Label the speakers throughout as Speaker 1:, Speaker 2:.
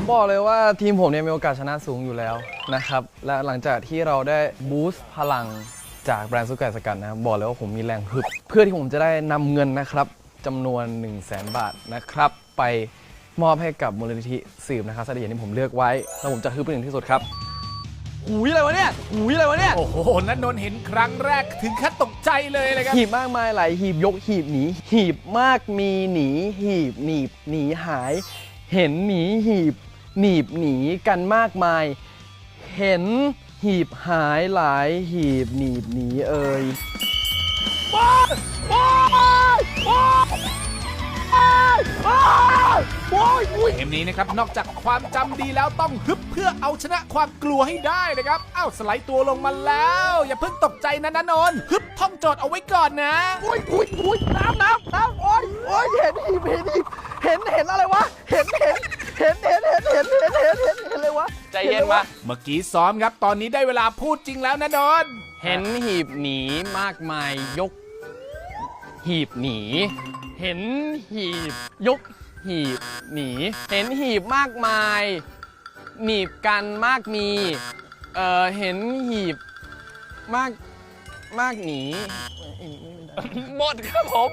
Speaker 1: บอกเลยว่าทีมผมเนี่ยมีโอกาสชนะสูงอยู่แล้วนะครับและหลังจากที่เราได้บูสต์พลังจากแบรนด์ซุปไก่สกัดนะครับบอกเลยว่าผมมีแรงฮึบเพื่อที่ผมจะได้นำเงินนะครับจำนวน 100,000 บาทนะครับไปมอบให้กับมูลนิธิสืบนะครับสถานที่ผมเลือกไว้แล้วผมจะฮึบเป็นอย่างที่สุดครับหูยอะไรวะเนี่ยหูยอะไรวะเนี่ย
Speaker 2: โอ้โหณนนท์เห็นครั้งแรกถึงขั้นตกใจเลยนะครับ
Speaker 1: หีบมากมายหลายหีบยกหีบหนีหีบมากมีหนีหีบหนีบหนีหาย เห็นหนีหีบหนีบหนีกันมากมาย เห็นหีบหายหลายหีบหนีบหนีเอ่ย
Speaker 2: เกมนี้นะครับนอกจากความจำดีแล้วต้องฮึบเพื่อเอาชนะความกลัวให้ได้นะครับเอ้าสไลด์ตัวลงมาแล้ว อย่าเพิ่งตกใจนะณนนท์ฮึบท่องโจทย์เอาไว้ก่อนนะ
Speaker 1: อุ้ยน้ำโอ้ยเห็นหีบเห็นอะไรวะเห็นอะไรวะใจเย็นวะ
Speaker 2: เมื่อกี้ซ้อมครับตอนนี้ได้เวลาพูดจริงแล้วนะนนท์
Speaker 1: เห็นหีบหนีมากมายยกหีบหนี เห็นหีบยกหีบหนี เห็นหีบมากมายหนีบกันมากมีเห็นหีบมากหนีหมดครับผม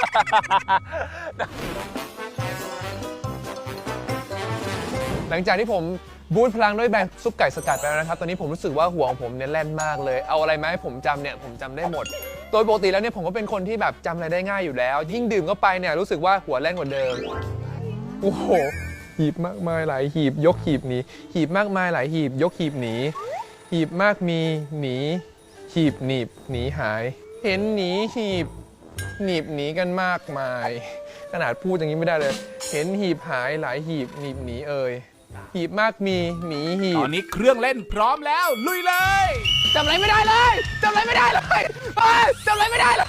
Speaker 3: หลังจากที่ผมบูตพลังด้วยแบรนด์ซุปไก่สกัดไปแล้วนะครับ ตอนนี้ผมรู้สึกว่าหัวของผมเนี่ยแล่นมากเลย เอาอะไรมาให้ผมจำเนี่ยผมจำได้หมด โดยปกติแล้วเนี่ยผมก็เป็นคนที่แบบจำอะไรได้ง่ายอยู่แล้ว ยิ่งดื่มเข้าไปเนี่ยรู้สึกว่าหัวแล่นกว่าเดิม โอ้โห หีบมากมายหลายหีบยกหีบหนี หีบมากมายหลายหีบยกหีบหนี หีบมากมีหนีหีบหนีบหนีหาย เห็นหนีหีบหนีบหนีกันมากมาย ขนาดพูดอย่างนี้ไม่ได้เลย เห็นหีบหายหลายหีบหนีบหนีเอ่ยหีบมากมีหนีหี
Speaker 2: ต
Speaker 3: บ
Speaker 2: อนนี้เครื่องเล่นพร้อมแล้วลุยเลย
Speaker 1: จำอะไรไม่ได้เลยจำอะไรไม่ได้เลยจำอะไรไม่ได้เลย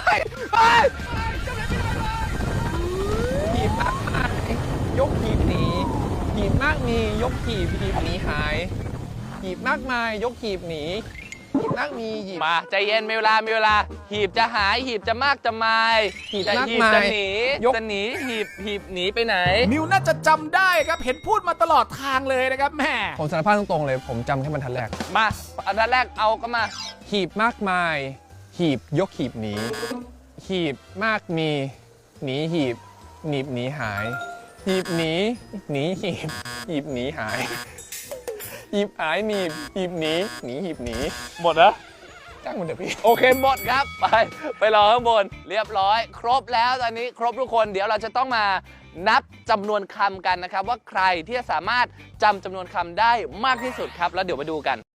Speaker 3: หีบมากมายยกหีบหนีหีบมากมียกหีบหนีหายหีบมากมายยกหีบหนีหีบมากมีหีบ
Speaker 1: มาใจเย็นมีเวลาหีบจะหายหีบจะมากจะมาย
Speaker 3: หีบ
Speaker 1: จะ
Speaker 3: มาก
Speaker 1: หีบ
Speaker 3: มาย
Speaker 1: จะหนี
Speaker 3: ยก
Speaker 1: จะหนีหีบหนีไปไหน
Speaker 2: มิวน่าจะจำได้ครับเห็นพูดมาตลอดทางเลยนะครับแม่
Speaker 3: ผมสารภาพตรงๆเลยผมจำแค่บรรทัดแรก
Speaker 1: มาอันดับแรกเอาก็มา
Speaker 3: หีบมากมายหีบยกหีบหนีหีบมากมีหนีหีบหนีบหนีหายหีบหนีหนีหีบหีบหนีหายหีบหายหนีบหีบหนีหนีหีบหนี
Speaker 1: หมดแล้ว
Speaker 3: จ้างมันเถอะพี่
Speaker 1: โอเคหมดครับไปรอข้างบนเรียบร้อย ครบแล้วตอนนี้ครบทุกคนเดี๋ยวเราจะต้องมานับจำนวนคำกันนะครับว่าใครที่จะสามารถจำจำนวนคำได้มากที่สุดครับแล้วเดี๋ยวมาดูกัน